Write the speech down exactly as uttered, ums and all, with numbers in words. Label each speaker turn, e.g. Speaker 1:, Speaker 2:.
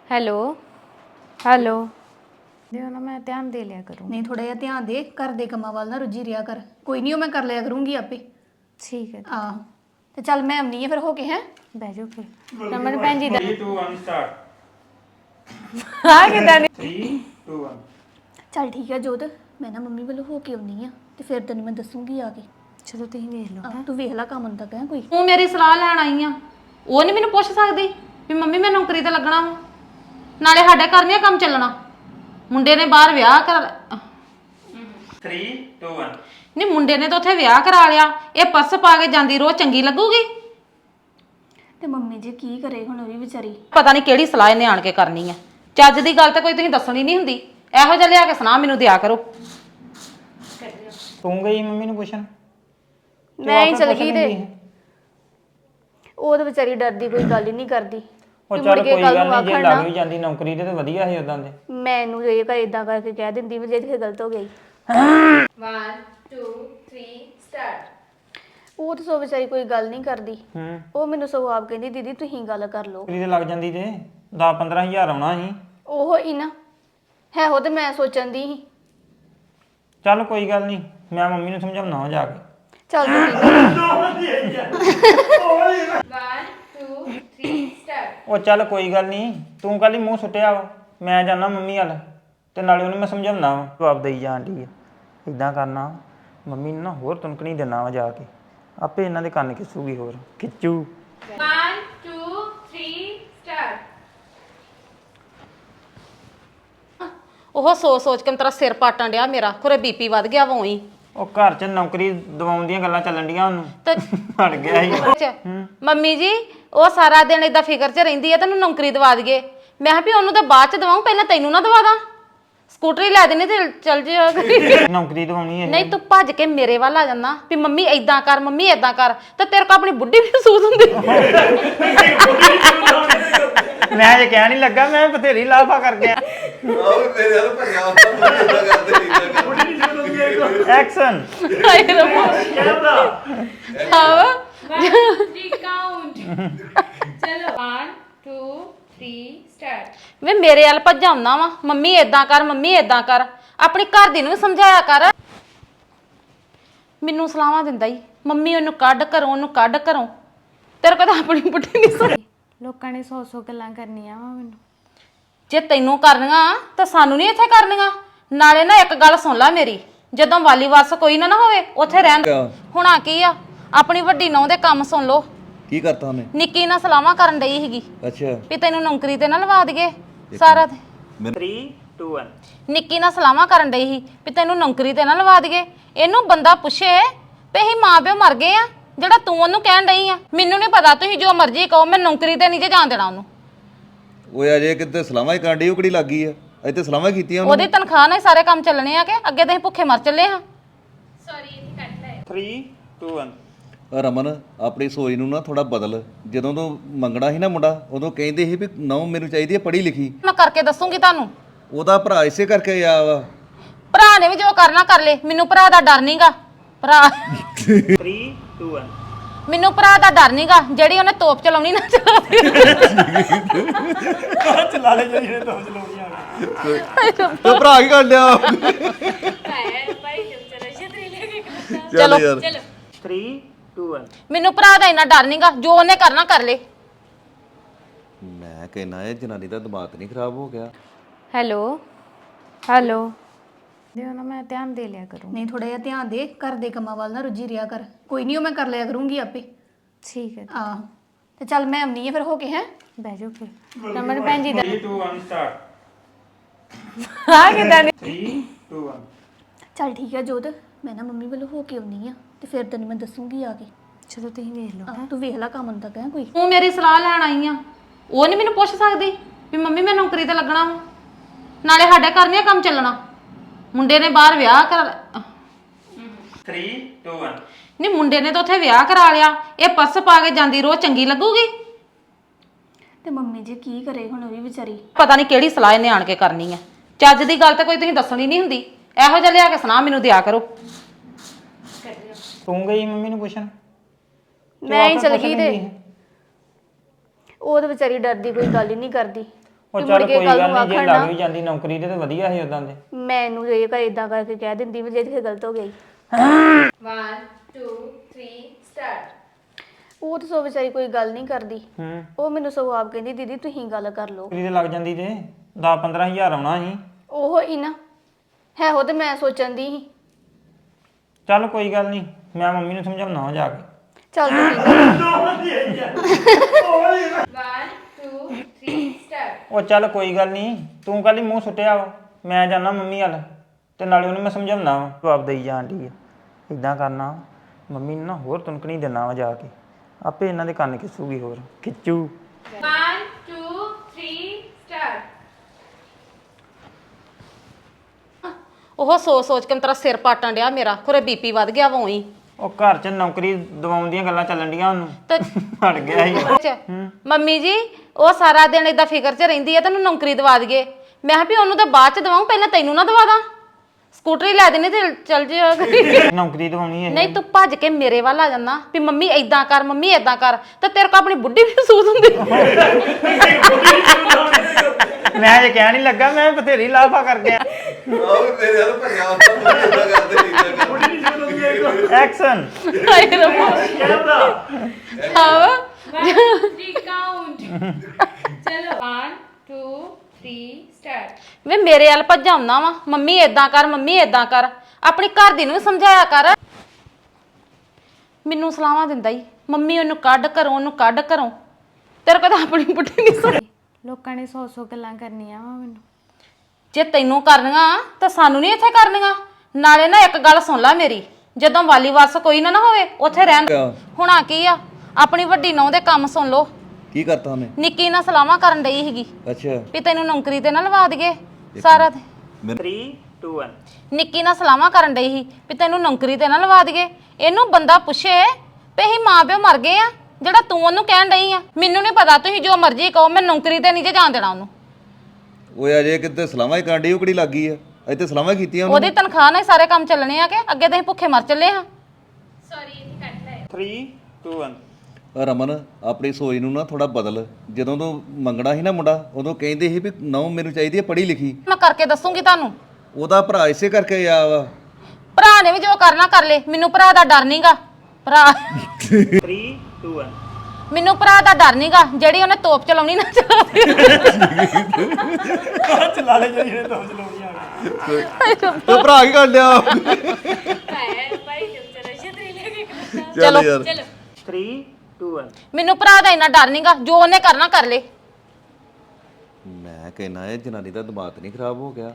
Speaker 1: Hello hello ਦਿਓ ਨਾ ਮੈਂ ਧਿਆਨ ਦੇ ਲਿਆ ਕਰੂੰ।
Speaker 2: ਨਹੀਂ ਥੋੜਾ ਜਿਹਾ ਧਿਆਨ ਦੇ, ਘਰ ਦੇ ਕੰਮਾਂ ਵੱਲ ਨਾ ਰੁੱਝੀ ਰਿਹਾ ਕਰ। ਕੋਈ ਨਹੀਂ ਉਹ ਮੈਂ ਕਰ ਲਿਆ ਕਰੂੰਗੀ ਆਪੇ।
Speaker 1: ਠੀਕ ਹੈ
Speaker 2: ਆਹੋ ਤੇ ਚੱਲ ਮੈਂ ਆਉਣੀ ਆ ਫਿਰ ਹੋ ਕੇ ਹੈ।
Speaker 1: ਬਹਿ ਜਾਓ ਫਿਰ ਰਮਨ ਭੈਣ ਜੀ ਦਾ
Speaker 3: three two one start
Speaker 1: ਹਾਂ ਕਿਦਾਂ
Speaker 3: three two one
Speaker 2: ਚੱਲ ਠੀਕ ਹੈ ਜੋਤ, ਮੈਂ ਨਾ ਮੰਮੀ ਵੱਲੋਂ ਹੋ ਕੇ ਆਉਣੀ ਆ ਤੇ ਫਿਰ ਤੈਨੂੰ ਮੈਂ ਦੱਸੂਗੀ ਆ ਕੇ।
Speaker 1: ਚਲੋ ਤੁਸੀਂ ਵੇਖ ਲਓ
Speaker 2: ਆਹੋ ਤੂੰ ਵੇਖ ਲੈ ਕੰਮ ਤੱਕ ਹੈ ਕੋਈ।
Speaker 4: ਤੂੰ ਮੇਰੀ ਸਲਾਹ ਲੈਣ ਆਈ ਆ, ਉਹ ਨਹੀਂ ਮੈਨੂੰ ਪੁੱਛ ਸਕਦੀ ਵੀ ਮੰਮੀ ਮੈਂ ਨੌਕਰੀ ਤੇ ਲੱਗਣਾ ਵਾ, ਨਾਲੇ ਸਾਡੇ ਘਰ ਨਹੀਂ ਕੰਮ ਚੱਲਣਾ। ਮੁੰਡੇ ਨੇ ਬਾਹਰ ਵਿਆਹ ਕਰ
Speaker 3: three two one
Speaker 4: ਨਹੀਂ ਮੁੰਡੇ ਨੇ ਤਾਂ ਉੱਥੇ ਵਿਆਹ ਕਰਾ ਲਿਆ, ਇਹ ਪਰਸ ਪਾ ਕੇ ਜਾਂਦੀ ਰੋਜ਼ ਚੰਗੀ ਲੱਗੂਗੀ?
Speaker 2: ਤੇ ਮੰਮੀ ਜੀ ਕੀ ਕਰੇ ਹੁਣ ਉਹ ਵੀ ਵਿਚਾਰੀ।
Speaker 4: ਪਤਾ ਨਹੀਂ ਕਿਹੜੀ ਸਲਾਹ ਇਹਨੇ ਆਣ ਕੇ ਕਰਨੀ ਆ। ਚੱਜ ਦੀ ਗੱਲ ਤਾਂ ਕੋਈ ਤੁਸੀਂ ਦੱਸਣੀ ਨਹੀਂ ਹੁੰਦੀ, ਇਹੋ ਜਿਹਾ ਲਿਆ ਕੇ ਸੁਣਾ ਮੈਨੂੰ ਦਿਆ ਕਰੋ।
Speaker 3: ਤੂੰ ਗਈ ਮੰਮੀ ਨੂੰ ਪੁੱਛਣ?
Speaker 2: ਮੈਂ ਹੀ ਚਲ ਗਈ ਤੇ ਉਹ ਤਾਂ ਵਿਚਾਰੀ ਡਰਦੀ ਕੋਈ ਗੱਲ ਹੀ ਨਹੀਂ ਕਰਦੀ।
Speaker 3: ਉਹ ਚੱਲ ਕੋਈ ਗੱਲ ਨਹੀਂ, ਜੇ ਲੱਗ ਵੀ ਜਾਂਦੀ ਨੌਕਰੀ ਤੇ ਤਾਂ ਵਧੀਆ ਸੀ ਉਦਾਂ ਦੇ।
Speaker 2: ਮੈਨੂੰ ਇਹ ਕਰ ਇਦਾਂ ਕਰਕੇ ਕਹਿ ਦਿੰਦੀ ਵੀ ਜੇ ਤੇ ਗਲਤ ਹੋ ਗਈ।
Speaker 1: one two three start
Speaker 2: ਉਹ ਤਾਂ ਸੋ ਵਿਚਾਰੀ ਕੋਈ ਗੱਲ ਨਹੀਂ ਕਰਦੀ।
Speaker 3: ਹੂੰ
Speaker 2: ਉਹ ਮੈਨੂੰ ਸੋ ਆਪ ਕਹਿੰਦੀ ਦੀਦੀ ਤੁਸੀਂ ਗੱਲ ਕਰ ਲਓ।
Speaker 3: ਨੌਕਰੀ ਤੇ ਲੱਗ ਜਾਂਦੀ ਤੇ ਦਸ ਪੰਦਰਾਂ ਹਜ਼ਾਰ ਆਉਣਾ ਸੀ।
Speaker 2: ਉਹ ਹੀ ਨਾ ਹੈ ਉਹ ਤੇ ਮੈਂ ਸੋਚਣ ਦੀ ਸੀ।
Speaker 3: ਚੱਲ ਕੋਈ ਗੱਲ ਨਹੀਂ, ਮੈਂ ਮੰਮੀ ਨੂੰ ਸਮਝਾਉਣਾ ਜਾ ਕੇ।
Speaker 2: ਚੱਲ ਤੂੰ ਠੀਕ ਹੈ।
Speaker 1: one two three start
Speaker 3: ਉਹ ਚੱਲ ਕੋਈ ਗੱਲ ਨਹੀਂ, ਤੂੰ ਕੱਲ ਹੀ ਮੂੰਹ ਸੁੱਟਿਆ ਵਾ, ਮੈਂ ਜਾਣਾ ਮੰਮੀ ਵੱਲ ਤੇ ਨਾਲੇ ਉਹਨੂੰ ਮੈਂ ਸਮਝਾਉਣਾ ਵਾ। ਜਵਾਬ ਦੇਈ ਜਾਣ ਦੀ ਆ ਇਦਾਂ ਕਰਨਾ, ਮੰਮੀ ਨੂੰ ਨਾ ਹੋਰ ਤੁਨਕਣੀ ਦੇਣਾ ਵਾ ਜਾ ਕੇ, ਆਪੇ ਇਹਨਾਂ ਦੇ ਕੰਨ ਖਿੱਚੂਗੀ ਹੋਰ ਖਿੱਚੂ।
Speaker 1: one two three start
Speaker 4: ਉਹ ਸੋਚ ਸੋਚ ਕੇ ਮੇਰਾ ਸਿਰ ਪਾਟਣ ਡਿਆ, ਮੇਰਾ ਖੁਰੇ ਬੀਪੀ ਵੱਧ ਗਿਆ ਵਾ ਉਹੀ।
Speaker 3: ਉਹ ਘਰ 'ਚ ਨੌਕਰੀ ਦਿਵਾਉਣ ਦੀਆਂ ਗੱਲਾਂ ਚੱਲਣ ਡੀਆਂ ਉਹਨੂੰ,
Speaker 4: ਤੇ
Speaker 3: ਹਟ ਗਿਆ ਸੀ।
Speaker 4: ਅੱਛਾ, ਮੰਮੀ ਜੀ ਉਹ ਸਾਰਾ ਦਿਨ ਏਦਾਂ ਫਿਕਰ 'ਚ ਰਹਿੰਦੀ ਆ ਤੈਨੂੰ ਨੌਕਰੀ ਦਵਾ ਦਈਏ। ਮੈਂ ਕਿਹਾ ਵੀ ਉਹਨੂੰ ਤਾਂ ਬਾਅਦ 'ਚ ਦਵਾਉਂ, ਪਹਿਲਾਂ ਤੈਨੂੰ ਨਾ ਦਵਾ ਦਾਂ। ਸਕੂਟਰੀ ਲੈ ਦੇਣੀ ਤੇ ਚੱਲ ਜਿਆ
Speaker 3: ਨੌਕਰੀ ਦਿਵਾਉਣੀ ਹੈ।
Speaker 4: ਨਹੀਂ ਤੂੰ ਭੱਜ ਕੇ ਮੇਰੇ ਵੱਲ ਆ ਜਾਂਦਾ ਵੀ ਮੰਮੀ ਏਦਾਂ ਕਰ ਮੰਮੀ ਏਦਾਂ ਕਰ, ਤੇ ਤੇਰੇ ਕੋ ਆਪਣੀ ਬੁੱਢੀ ਵੀ ਮਹਿਸੂਸ ਹੁੰਦੀ।
Speaker 3: ਮੈਂ ਜੇ ਕਹਿ ਨਹੀਂ ਲੱਗਾ, ਮੈਂ ਬਥੇਰੀ ਲਾਫਾ ਕਰ ਗਿਆ। ਐਕਸ਼ਨ
Speaker 4: ਹਾਏ ਰੱਬਾ ਹਾਂ
Speaker 1: three count ਚਲੋ one two three start
Speaker 4: ਵੇ ਮੇਰੇ ਵੱਲ ਭੱਜਾਉਣਾ ਵਾ ਮੰਮੀ ਏਦਾਂ ਕਰ ਮੰਮੀ ਏਦਾਂ ਕਰ, ਆਪਣੀ ਘਰ ਦੀ ਨੂੰ ਵੀ ਸਮਝਾਇਆ ਕਰ। ਮੈਨੂੰ ਸਲਾਹਾਂ ਦਿੰਦਾ ਹੀ ਮੰਮੀ ਉਹਨੂੰ ਕੱਢ ਘਰੋਂ ਉਹਨੂੰ ਕੱਢ ਘਰੋਂ, ਤੇਰੇ ਕੋਲ ਤਾਂ ਆਪਣੀ ਬੁੱਢੀ ਨਹੀਂ ਸੁਣੀ।
Speaker 1: ਲੋਕਾਂ ਨੇ ਸੌ ਸੌ ਗੱਲਾਂ ਕਰਨੀਆਂ ਵਾ ਮੈਨੂੰ।
Speaker 4: ਜੇ ਤੈਨੂੰ ਕਰਨੀਆਂ ਤਾਂ ਸਾਨੂੰ ਨਹੀਂ ਇੱਥੇ ਕਰਨੀਆਂ। ਨਾਲੇ ਨਾ ਇੱਕ ਗੱਲ ਸੁਣ ਲੈ ਮੇਰੀ, ਜਦੋਂ ਵਾਲੀ ਵਾਸ ਕੋਈ ਨਾ ਨਾ ਹੋਵੇ ਉੱਥੇ ਰਹਿਣ। ਹੁਣ ਆ ਕੀ ਆ, ਆਪਣੀ ਵੱਡੀ ਨੌਂ ਦੇ ਕੰਮ ਸੁਣ ਲੋ।
Speaker 5: ਕੀ ਕਰਤਾ ਉਹਨੇ?
Speaker 4: ਨਿੱਕੀ ਨਾਲ ਸਲਾਹਾਂ ਕਰਨ ਡਈ ਸੀਗੀ
Speaker 5: ਅੱਛਾ
Speaker 4: ਵੀ ਤੈਨੂੰ ਨੌਕਰੀ ਤੇ ਨਾ ਲਵਾ ਦਈਏ ਸਾਰਾ ਦਿਨ।
Speaker 3: three two one
Speaker 4: ਨਿੱਕੀ ਨਾਲ ਸਲਾਹਾਂ ਕਰਨ ਡਈ ਸੀ ਵੀ ਤੈਨੂੰ ਨੌਕਰੀ ਤੇ ਨਾ ਲਵਾ ਦਈਏ। ਇਹਨੂੰ ਬੰਦਾ ਪੁੱਛੇ ਵੀ ਅਸੀਂ ਮਾਂ ਪਿਓ ਮਰ ਗਏ ਆ ਜਿਹੜਾ ਤੂੰ ਉਹਨੂੰ ਕਹਿਣ ਡਈ ਆ। ਮੈਨੂੰ ਨਹੀਂ ਪਤਾ, ਤੁਸੀਂ ਜੋ ਮਰਜ਼ੀ ਕਹੋ, ਮੈਂ ਨੌਕਰੀ ਤੇ ਨਹੀਂ ਜੇ ਜਾਣ ਦੇਣਾ ਉਹਨੂੰ।
Speaker 5: ਓਏ ਅਜੇ ਕਿਤੇ ਸਲਾਮਾਂ ਹੀ ਕਾਂਡੀ ਉਹ ਕਿਹੜੀ ਲੱਗ ਗਈ ਆ? ਅਜੇ ਤੇ ਸਲਾਮਾਂ ਹੀ ਕੀਤੀਆਂ
Speaker 4: ਉਹਦੀ ਤਨਖਾਹ ਨਾਲ ਹੀ ਸਾਰੇ ਕੰਮ ਚੱਲਣੇ ਆ ਕਿ ਅੱਗੇ ਤਾਂ ਅਸੀਂ ਭੁੱਖੇ ਮਰ ਚੱਲੇ ਹਾਂ।
Speaker 3: three two one
Speaker 5: ਰਮਨ ਆਪਣੀ ਸੋਚ ਨੂੰ ਨਾ ਥੋੜਾ ਬਦਲ। ਜਦੋਂ ਤੋਂ ਮੰਗਣਾ ਸੀ ਨਾ ਮੁੰਡਾ, ਉਦੋਂ ਕਹਿੰਦੇ ਸੀ ਵੀ ਨੌ ਮੈਨੂੰ ਚਾਹੀਦੀ ਹੈ ਪੜ੍ਹੀ ਲਿਖੀ।
Speaker 4: ਮੈਂ ਕਰਕੇ ਦੱਸੂਗੀ ਤੁਹਾਨੂੰ।
Speaker 5: ਉਹਦਾ ਭਰਾ ਇਸੇ ਕਰਕੇ ਆ ਵਾ।
Speaker 4: ਭਰਾ ਨੇ ਵੀ ਜੋ ਕਰਨਾ ਕਰ ਲੇ, ਮੈਨੂੰ ਭਰਾ ਦਾ ਡਰ ਨਹੀਂਗਾ। ਭਰਾ
Speaker 3: three two one
Speaker 4: ਮੈਨੂੰ ਭਰਾ ਦਾ ਡਰ ਨਹੀਂਗਾ, ਜਿਹੜੀ ਉਹਨੇ ਤੋਪ ਚਲਾਉਣੀ ਨਾ ਚਲਾ ਦੇ।
Speaker 3: ਚਲਾ ਲੈ ਜਿਹੜੇ ਤੋਂ ਚਲਾਉਣੀ ਆ।
Speaker 5: ਤੇ ਭਰਾ ਕੀ ਕਰ ਲਿਆ?
Speaker 4: ਚਲੋ
Speaker 5: ਯਾਰ
Speaker 3: three two one
Speaker 4: ਮੈਨੂੰ ਭਰਾ ਦਾ ਇੰਨਾ ਡਰ ਨਹੀਂਗਾ, ਜੋ ਉਹਨੇ ਕਰਨਾ ਕਰ ਲੇ।
Speaker 5: ਮੈਂ ਕਹਿਣਾ ਇਹ ਜਨਾਨੀ ਦਾ ਦਿਮਾਗ ਨਹੀਂ ਖਰਾਬ ਹੋ ਗਿਆ?
Speaker 1: ਹੈਲੋ ਹੈਲੋ ਦਿਓ ਨਾ ਮੈਂ ਧਿਆਨ ਦੇ ਲਿਆ ਕਰੂੰ।
Speaker 2: ਨਹੀਂ ਥੋੜਾ ਜਿਹਾ ਧਿਆਨ ਦੇ, ਘਰ ਦੇ ਕੰਮਾਂ ਵੱਲ ਨਾ ਰੁੱਝੀ ਰਿਹਾ ਕਰ। ਕੋਈ ਨਹੀਂ ਉਹ ਮੈਂ ਕਰ ਲਿਆ ਕਰੂੰਗੀ ਆਪੇ।
Speaker 1: ਠੀਕ ਹੈ
Speaker 2: ਆਹੋ ਤੇ ਚੱਲ ਮੈਂ ਆਉਣੀ ਆ ਫਿਰ ਹੋ ਕੇ ਹੈ।
Speaker 1: ਬਹਿ ਜਾਓ ਫਿਰ ਰਮਨ ਭੈਣ ਜੀ ਦਾ
Speaker 3: three two one start
Speaker 1: ਹਾਂ ਕਿਦਾਂ
Speaker 3: three two one
Speaker 2: ਚੱਲ ਠੀਕ ਹੈ ਜੋਤ, ਮੈਂ ਨਾ ਮੰਮੀ ਵੱਲੋਂ ਹੋ ਕੇ ਆਉਣੀ ਆ ਤੇ ਫਿਰ ਤੈਨੂੰ ਮੈਂ ਦੱਸੂਗੀ ਆ ਕੇ।
Speaker 1: ਚਲੋ ਤੁਸੀਂ ਵੇਖ ਲਓ
Speaker 2: ਆਹੋ ਤੂੰ ਵੇਖ ਲੈ ਕੰਮ ਤੱਕ ਹੈ ਕੋਈ।
Speaker 4: ਤੂੰ ਮੇਰੀ ਸਲਾਹ ਲੈਣ ਆਈ ਆ, ਉਹ ਨਹੀਂ ਮੈਨੂੰ ਪੁੱਛ ਸਕਦੀ ਵੀ ਮੰਮੀ ਮੈਂ ਨੌਕਰੀ ਤੇ ਲੱਗਣਾ ਵਾ, ਨਾਲੇ ਸਾਡੇ ਘਰ ਨਹੀਂ ਕੰਮ ਚੱਲਣਾ। ਮੁੰਡੇ ਨੇ ਬਾਹਰ ਵਿਆਹ ਕਰ
Speaker 3: three two one
Speaker 4: ਨਹੀਂ ਮੁੰਡੇ ਨੇ ਤਾਂ ਉੱਥੇ ਵਿਆਹ ਕਰਾ ਲਿਆ, ਇਹ ਪਰਸ ਪਾ ਕੇ ਜਾਂਦੀ ਰੋਜ਼ ਚੰਗੀ ਲੱਗੂਗੀ?
Speaker 2: ਤੇ ਮੰਮੀ ਜੀ ਕੀ ਕਰੇ ਹੁਣ ਉਹ ਵੀ ਵਿਚਾਰੀ।
Speaker 4: ਪਤਾ ਨਹੀਂ ਕਿਹੜੀ ਸਲਾਹ ਇਹਨੇ ਆਣ ਕੇ ਕਰਨੀ ਆ। ਚੱਜ ਦੀ ਗੱਲ ਤਾਂ ਕੋਈ ਤੁਸੀਂ ਦੱਸਣੀ ਨਹੀਂ ਹੁੰਦੀ, ਇਹੋ ਜਿਹਾ ਲਿਆ ਕੇ ਸੁਣਾ ਮੈਨੂੰ ਦਿਆ ਕਰੋ।
Speaker 3: ਤੂੰ ਗਈ ਮੰਮੀ ਨੂੰ ਪੁੱਛਣ?
Speaker 2: ਮੈਂ ਹੀ ਚਲ ਗਈ ਤੇ ਉਹ ਤਾਂ ਵਿਚਾਰੀ ਡਰਦੀ ਕੋਈ ਗੱਲ ਹੀ ਨਹੀਂ ਕਰਦੀ।
Speaker 3: ਉਹ
Speaker 2: ਕਿ
Speaker 3: ਚੱਲ
Speaker 2: ਮੁੜ ਕੇ
Speaker 3: ਕੋਈ
Speaker 2: ਕੱਲ
Speaker 3: ਗੱਲ
Speaker 2: ਨੂੰ
Speaker 3: ਨਹੀਂ ਜੇ
Speaker 2: ਆਖਣਾ
Speaker 3: ਲੱਗ ਵੀ ਜਾਂਦੀ ਨੌਕਰੀ ਤੇ ਤਾਂ ਵਧੀਆ ਸੀ ਉਦਾਂ ਦੇ
Speaker 2: ਮੈਨੂੰ ਇਹ ਕਰ ਇਦਾਂ ਕਰਕੇ ਕਹਿ ਦਿੰਦੀ ਵੀ ਜੇ ਤੇ ਗਲਤ ਹੋ ਗਈ
Speaker 1: one two three start
Speaker 2: ਉਹ ਤਾਂ ਸੋ ਵਿਚਾਰੀ ਕੋਈ ਗੱਲ ਨਹੀਂ ਕਰਦੀ
Speaker 3: ਹੂੰ
Speaker 2: ਉਹ ਮੈਨੂੰ ਸਗੋਂ ਆਪ ਕਹਿੰਦੀ ਦੀਦੀ ਤੁਸੀਂ ਗੱਲ ਕਰ ਲਓ
Speaker 3: ਨੌਕਰੀ ਤੇ ਲੱਗ ਜਾਂਦੀ ਤੇ ਦਸ ਪੰਦਰਾਂ ਹਜ਼ਾਰ ਆਉਣਾ ਸੀ
Speaker 2: ਉਹ ਹੀ ਨਾ ਹੈ ਉਹ ਤੇ ਮੈਂ ਸੋਚਣ ਦੀ ਸੀ
Speaker 3: ਚੱਲ ਕੋਈ ਗੱਲ ਨਹੀਂ ਮੈਂ ਮੰਮੀ ਨੂੰ ਸਮਝਾਉਣਾ ਜਾ ਕੇ
Speaker 2: ਚੱਲ ਤੂੰ ਠੀਕ
Speaker 1: one two three start
Speaker 3: ਉਹ ਚੱਲ ਕੋਈ ਗੱਲ ਨਹੀਂ ਤੂੰ ਕੱਲ ਹੀ ਮੂੰਹ ਸੁੱਟਿਆ ਵਾ ਮੈਂ ਜਾਣਾ ਮੰਮੀ ਵੱਲ ਤੇ ਨਾਲੇ ਉਹਨੂੰ ਮੈਂ ਸਮਝਾਉਣਾ ਵਾ ਜਵਾਬ ਦੇਈ ਜਾਣ ਦੀ ਆ ਇਦਾਂ ਕਰਨਾ ਮੰਮੀ ਨੂੰ ਨਾ ਹੋਰ ਤੁਨਕਣੀ ਦੇਣਾ ਵਾ ਜਾ ਕੇ ਆਪੇ ਇਹਨਾਂ ਦੇ ਕੰਨ ਖਿੱਚੂਗੀ ਹੋਰ ਖਿੱਚੂ
Speaker 1: one two three start
Speaker 4: ਉਹ ਸੋਚ ਸੋਚ ਕੇ ਤੇਰਾ ਸਿਰ ਪਾਟਣ ਡਿਆ ਮੇਰਾ ਖੁਰੇ ਬੀਪੀ ਵੱਧ ਗਿਆ ਵਾ ਉਹੀ
Speaker 3: ਉਹ ਘਰ 'ਚ ਨੌਕਰੀ ਦਿਵਾਉਣ ਦੀਆਂ ਗੱਲਾਂ ਚੱਲਣ ਡੀਆਂ ਉਹਨੂੰ
Speaker 4: ਤੇ
Speaker 3: ਹਟ ਗਿਆ ਸੀ
Speaker 4: ਮੰਮੀ ਜੀ ਉਹ ਸਾਰਾ ਦਿਨ ਏਦਾਂ ਫਿਕਰ 'ਚ ਰਹਿੰਦੀ ਆ ਤੈਨੂੰ ਨੌਕਰੀ ਦਵਾ ਦਈਏ ਮੈਂ ਕਿਹਾ ਵੀ ਉਹਨੂੰ ਤਾਂ ਬਾਅਦ 'ਚ ਦਵਾਉਂ ਪਹਿਲਾਂ ਤੈਨੂੰ ਨਾ ਦਵਾ ਦਾਂ ਸਕੂਟਰੀ ਲੈ ਦੇਣੀ ਤੇ ਚੱਲ ਜਿਆ
Speaker 3: ਨੌਕਰੀ ਦਿਵਾਉਣੀ ਹੈ
Speaker 4: ਨਹੀਂ ਤੂੰ ਭੱਜ ਕੇ ਮੇਰੇ ਵੱਲ ਆ ਜਾਂਦਾ ਵੀ ਮੰਮੀ ਏਦਾਂ ਕਰ ਮੰਮੀ ਏਦਾਂ ਕਰ ਤੇ ਤੇਰੇ ਕੋ ਆਪਣੀ ਬੁੱਢੀ ਵੀ ਮਹਿਸੂਸ ਹੁੰਦੀ
Speaker 3: ਮੈਂ ਜੇ ਕਹਿਣ ਨਹੀਂ ਲੱਗਾ ਮੈਂ ਬਥੇਰੀ ਲਾਫਾ ਕਰ ਗਿਆ
Speaker 5: ਆਹ ਵੀ ਮੇਰੇ ਹੱਥ ਭੱਜਿਆ ਹੁੰਦਾ ਕਰਦੇ ਨਹੀਂ
Speaker 3: ਐਕਸ਼ਨ
Speaker 4: ਹਾਏ ਰੱਬਾ ਆਵਾ
Speaker 1: three count ਚਲੋ one two three start
Speaker 4: ਵੇ ਮੇਰੇ ਵੱਲ ਭੱਜਾਉਣਾ ਵਾ ਮੰਮੀ ਏਦਾਂ ਕਰ ਮੰਮੀ ਏਦਾਂ ਕਰ ਆਪਣੀ ਘਰ ਦੀ ਨੂੰ ਵੀ ਸਮਝਾਇਆ ਕਰ ਮੈਨੂੰ ਸਲਾਹਾਂ ਦਿੰਦਾ ਈ ਮੰਮੀ ਉਹਨੂੰ ਕੱਢ ਘਰੋਂ ਉਹਨੂੰ ਕੱਢ ਘਰੋਂ ਤੇਰੇ ਕੋਲ ਤਾਂ ਆਪਣੀ ਬੁੱਢੀ ਨਹੀਂ ਸੁਣੀ
Speaker 1: ਲੋਕਾਂ ਨੇ ਸੌ ਸੌ ਗੱਲਾਂ ਕਰਨੀਆਂ ਵਾ ਮੈਨੂੰ
Speaker 4: ਜੇ ਤੈਨੂੰ ਕਰਨੀਆਂ ਤਾਂ ਸਾਨੂੰ ਨਹੀਂ ਇੱਥੇ ਕਰਨੀਆਂ ਨਾਲੇ ਨਾ ਇੱਕ ਗੱਲ ਸੁਣ ਲੈ ਮੇਰੀ ਜਦੋਂ ਵਾਲੀ ਵਾਰਸ ਕੋਈ ਨਾ ਨਾ ਹੋਵੇ ਉੱਥੇ ਰਹਿਣ ਹੁਣਾ ਕੀ ਆ ਆਪਣੀ ਵੱਡੀ ਨੌਂ ਦੇ ਕੰਮ ਸੁਣ ਲਓ
Speaker 5: ਕੀ ਕਰਤਾ ਮੈਂ
Speaker 4: ਨਿੱਕੀ ਨਾਲ ਸਲਾਹਾਂ ਕਰਨ ਡਈ ਸੀਗੀ
Speaker 5: ਅੱਛਾ
Speaker 4: ਵੀ ਤੈਨੂੰ ਨੌਕਰੀ ਤੇ ਨਾ ਲਵਾ ਦਈਏ ਸਾਰਾ ਤੇ
Speaker 3: three two one
Speaker 4: ਨਿੱਕੀ ਨਾਲ ਸਲਾਹਾਂ ਕਰਨ ਡਈ ਸੀ ਵੀ ਤੈਨੂੰ ਨੌਕਰੀ ਤੇ ਨਾ ਲਵਾ ਦਈਏ ਇਹਨੂੰ ਬੰਦਾ ਪੁੱਛੇ ਵੀ ਅਸੀਂ ਮਾਂ ਪਿਓ ਮਰ ਗਏ ਆ ਜਿਹੜਾ ਤੂੰ ਉਹਨੂੰ ਕਹਿਣ ਡਈ ਆ ਮੈਨੂੰ ਨਹੀਂ ਪਤਾ ਤੁਸੀਂ ਜੋ ਮਰਜ਼ੀ ਕਹੋ ਮੈਂ ਨੌਕਰੀ ਤੇ ਨਹੀਂ ਜੇ ਜਾਣ ਦੇਣਾ ਉਹਨੂੰ
Speaker 5: ਓਏ ਅਜੇ ਕਿਤੇ ਸਲਾਮਾਂ ਹੀ ਕਾਂਡੀ ਉਹ ਕਿਹੜੀ ਲੱਗੀ ਆ ਅਜੇ ਤੇ ਸਲਾਮਾਂ ਹੀ ਕੀਤੀਆਂ ਉਹਨੂੰ
Speaker 4: ਉਹਦੀ ਤਨਖਾਹ ਨਾਲ ਹੀ ਸਾਰੇ ਕੰਮ ਚੱਲਣੇ ਆ ਕਿ ਅੱਗੇ ਤਾਂ ਅਸੀਂ ਭੁੱਖੇ ਮਰ ਚੱਲੇ ਹਾਂ
Speaker 3: three two one
Speaker 5: ਆ ਰਮਨ ਆਪਣੀ ਸੋਚ ਨੂੰ ਨਾ ਥੋੜਾ ਬਦਲ ਜਦੋਂ ਤੋਂ ਮੰਗਣਾ ਸੀ ਨਾ ਮੁੰਡਾ ਉਦੋਂ ਕਹਿੰਦੇ ਸੀ ਵੀ ਨੌ ਮੈਨੂੰ ਚਾਹੀਦੀ ਹੈ ਪੜ੍ਹੀ ਲਿਖੀ
Speaker 4: ਮੈਂ ਕਰਕੇ ਦੱਸੂਗੀ ਤੁਹਾਨੂੰ
Speaker 5: ਉਹਦਾ ਭਰਾ ਇਸੇ ਕਰਕੇ ਆ ਵਾ
Speaker 4: ਭਰਾ ਨੇ ਵੀ ਜੋ ਕਰਨਾ ਕਰ ਲੇ ਮੈਨੂੰ ਭਰਾ ਦਾ ਡਰ ਨਹੀਂਗਾ ਭਰਾ
Speaker 3: three two one
Speaker 4: ਮੈਨੂੰ ਭਰਾ ਦਾ ਡਰ ਨਹੀਂਗਾ ਜਿਹੜੀ ਉਹਨੇ ਤੋਪ ਚਲਾਉਣੀ ਨਾ ਚਲਾਵੇ
Speaker 3: ਚਲਾ ਲੈ ਜਿਹੜੇ ਤੋਂ ਚਲਾਉਣੀ ਆ
Speaker 5: ਤੇ ਭਰਾ ਕੀ ਕਰ ਲਿਆ
Speaker 4: ਚਲੋ
Speaker 5: ਯਾਰ
Speaker 3: three two one
Speaker 4: ਮੈਨੂੰ ਭਰਾ ਦਾ ਇੰਨਾ ਡਰ ਨਹੀਂਗਾ ਜੋ ਉਹਨੇ ਕਰਨਾ ਕਰ ਲੇ
Speaker 5: ਮੈਂ ਕਹਿਣਾ ਇਹ ਜਨਾਨੀ ਦਾ ਦਿਮਾਗ ਨਹੀਂ ਖਰਾਬ ਹੋ ਗਿਆ